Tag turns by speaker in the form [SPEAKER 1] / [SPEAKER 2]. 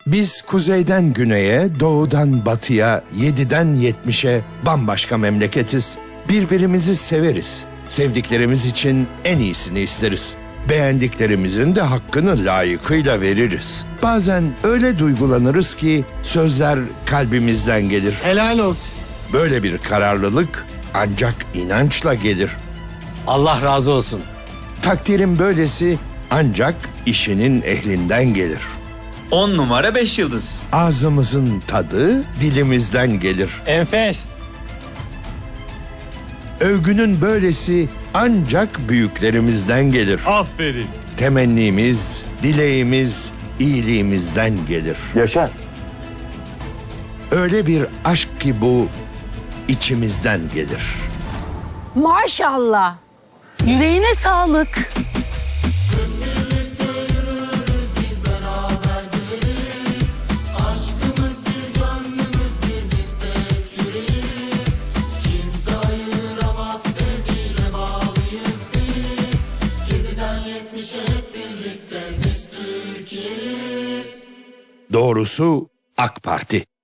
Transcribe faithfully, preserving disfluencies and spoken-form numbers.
[SPEAKER 1] Biz kuzeyden güneye, doğudan batıya, yediden yetmişe bambaşka memleketiz. Birbirimizi severiz. Sevdiklerimiz için en iyisini isteriz. Beğendiklerimizin de hakkını layıkıyla veririz. Bazen öyle duygulanırız ki sözler kalbimizden gelir.
[SPEAKER 2] Helal olsun.
[SPEAKER 1] Böyle bir kararlılık ancak inançla gelir.
[SPEAKER 2] Allah razı olsun.
[SPEAKER 1] Takdirin böylesi ancak işinin ehlinden gelir.
[SPEAKER 3] On numara beş yıldız.
[SPEAKER 1] Ağzımızın tadı dilimizden gelir.
[SPEAKER 2] Enfes.
[SPEAKER 1] Övgünün böylesi ancak büyüklerimizden gelir.
[SPEAKER 4] Aferin.
[SPEAKER 1] Temennimiz, dileğimiz iyiliğimizden gelir.
[SPEAKER 5] Yaşa.
[SPEAKER 1] Öyle bir aşk ki bu içimizden gelir.
[SPEAKER 6] Maşallah. Yüreğine sağlık.
[SPEAKER 1] Doğrusu AK Parti.